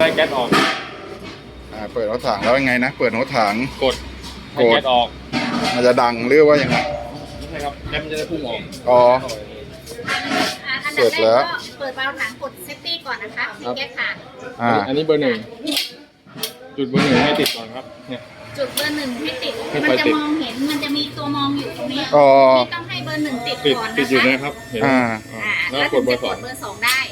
ให้แก๊สออกเปิดรถถังแล้วยังไงนะเปิดรถถังกดให้แก๊สออกมันจะดังหรือว่ายังไงไม่ใช่ครับแก๊สมันจะได้พุ่งออกอ๋อเสร็จแล้วเปิดวาล์วถังกดเซฟตี้ก่อนนะคะมีแก๊สขาดอันนี้เบอร์ 1จุดเบอร์ 1ให้ติดก่อนครับเนี่ยจุดเบอร์ 1ให้ติดมันจะมองเห็นมันจะมีตัวมองอยู่ตรงนี้ที่ต้องให้เบอร์ 1ติดก่อนนะคะติดอยู่นะครับเห็นแล้วกดเบอร์ 2ได้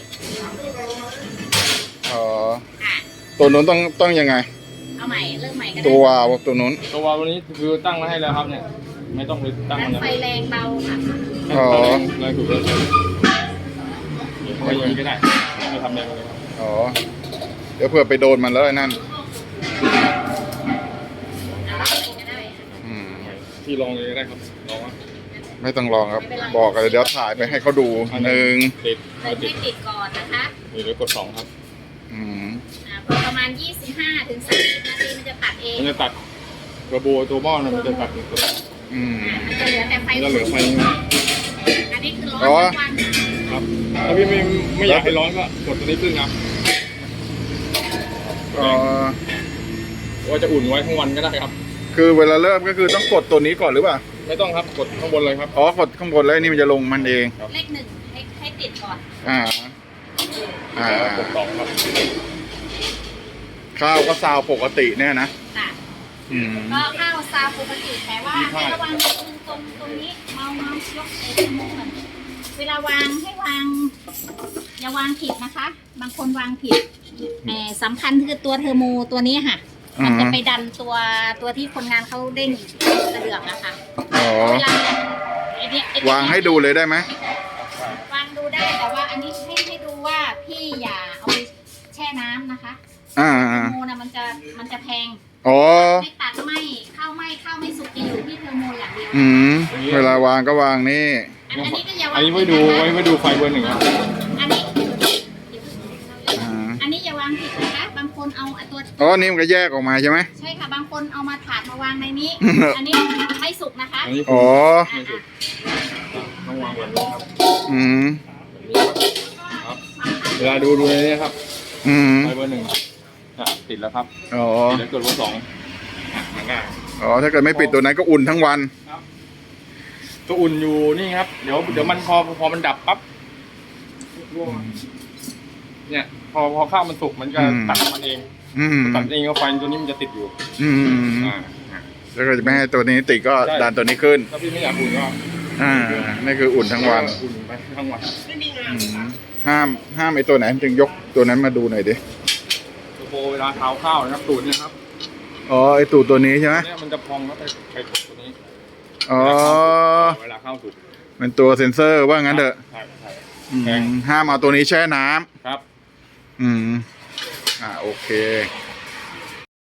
ตัวนู้นต้องยังไงเอาใหม่เริ่มใหม่กันตัวตัวนู้นตัวนี้คือตั้งมาให้แล้วครับเนี่ยไม่ต้องไปตั้งไฟแรงเบาค่ะแรงถูกแล้วไม่ยังก็ได้ไม่ทำแรงเลยครับเดี๋ยวเผื่อไปโดนมันแล้วนั่นที่ลองเลยได้ครับลองว่าไม่ต้องลองครับบอกกันเดี๋ยวถ่ายไปให้เขาดูติดติดก่อนนะคะเดี๋ยวกด2ครับประมาณ25 ถึง 30 นาทีมันจะตัดเองมันจะตัดกระโบตัวหม้อมันจะตัดตัวมันจะเหลือแต่ไฟจะเหลือไฟอันนี้คือร้อนวันครับถ้าพี่ไม่อยากให้ร้อนก็กดตัวนี้ขึ้นครับว่าจะอุ่นไว้ทั้งวันก็ได้ครับคือเวลาเริ่มก็คือต้องกดตัวนี้ก่อนหรือเปล่าไม่ต้องครับกดข้างบนเลยครับกดข้างบนแล้วนี่มันจะลงมันเองเลข 1ให้ติดก่อนกด2ครับข้าวก็ซาวปกติเนี่ยนะก็ข้าวซาวปกติแต่ว่าให้ระวังตรงนี้เมายกเอมือก่อนเวลาวางให้วางอย่าวางผิดนะคะบางคนวางผิดสำคัญคือตัวเทอร์โมตัวนี้ค่ะมันจะไปดันตัวที่คนงานเขาเด้งกระเดื่องนะคะเวลาวางให้ดูเลยได้ไหมวางดูได้แต่ว่าอันนี้ให้ดูว่าพี่อย่าเอาไปแช่น้ำนะคะเทอร์โมนะมันจะแพงไม่ตัดข้าวไม่สุกจะอยู่ที่เทอร์โมอย่างเดียวเวลาวางก็วางนี่อันนี้ก็อย่าวางอันนี้ไว้ดูไฟเบอร์ 1ครับอันนี้อย่าวางผิดนะคะบางคนเอาตัวนี่มันก็แยกออกมาใช่ไหมใช่ค่ะบางคนเอามาถาดมาวางในนี้ อันนี้ไม่สุกนะคะต้องวางแบบนี้ครับเวลาดูในนี้ครับไฟเบอร์ 1ติดแล้วครับเดี๋ยวกดเบอร์ 2 ถ้าเกิดไม่ปิดตัวนั้นก็อุ่นทั้งวันก็อุ่นอยู่นี่ครับเดี๋ยวมันพอมันดับปั๊บเนี่ยพอข้าวมันสุกมันจะตัดมันเองตัดเองก็ไฟตัวนี้มันจะติดอยู่แล้วก็จะไม่ให้ตัวนี้ติดก็ดันตัวนี้ขึ้นถ้าพี่ไม่อยากอุ่นก็นี่คืออุ่นทั้งวันอุ่นไปทั้งวันห้ามไอ้ตัวไหนจึงยกตัวนั้นมาดูหน่อยดิตัวโบเวลาเท้าข้าวนะครับตูดเนี่ยครับไอ้ตูดตัวนี้ใช่ไหมเนี่ยมันจะพองแล้วไปกดตัวนี้เวลาข้าวสุกเป็นตัวเซ็นเซอร์ว่างั้นเถอะห้ามเอาตัวนี้แช่น้ำครับโอเค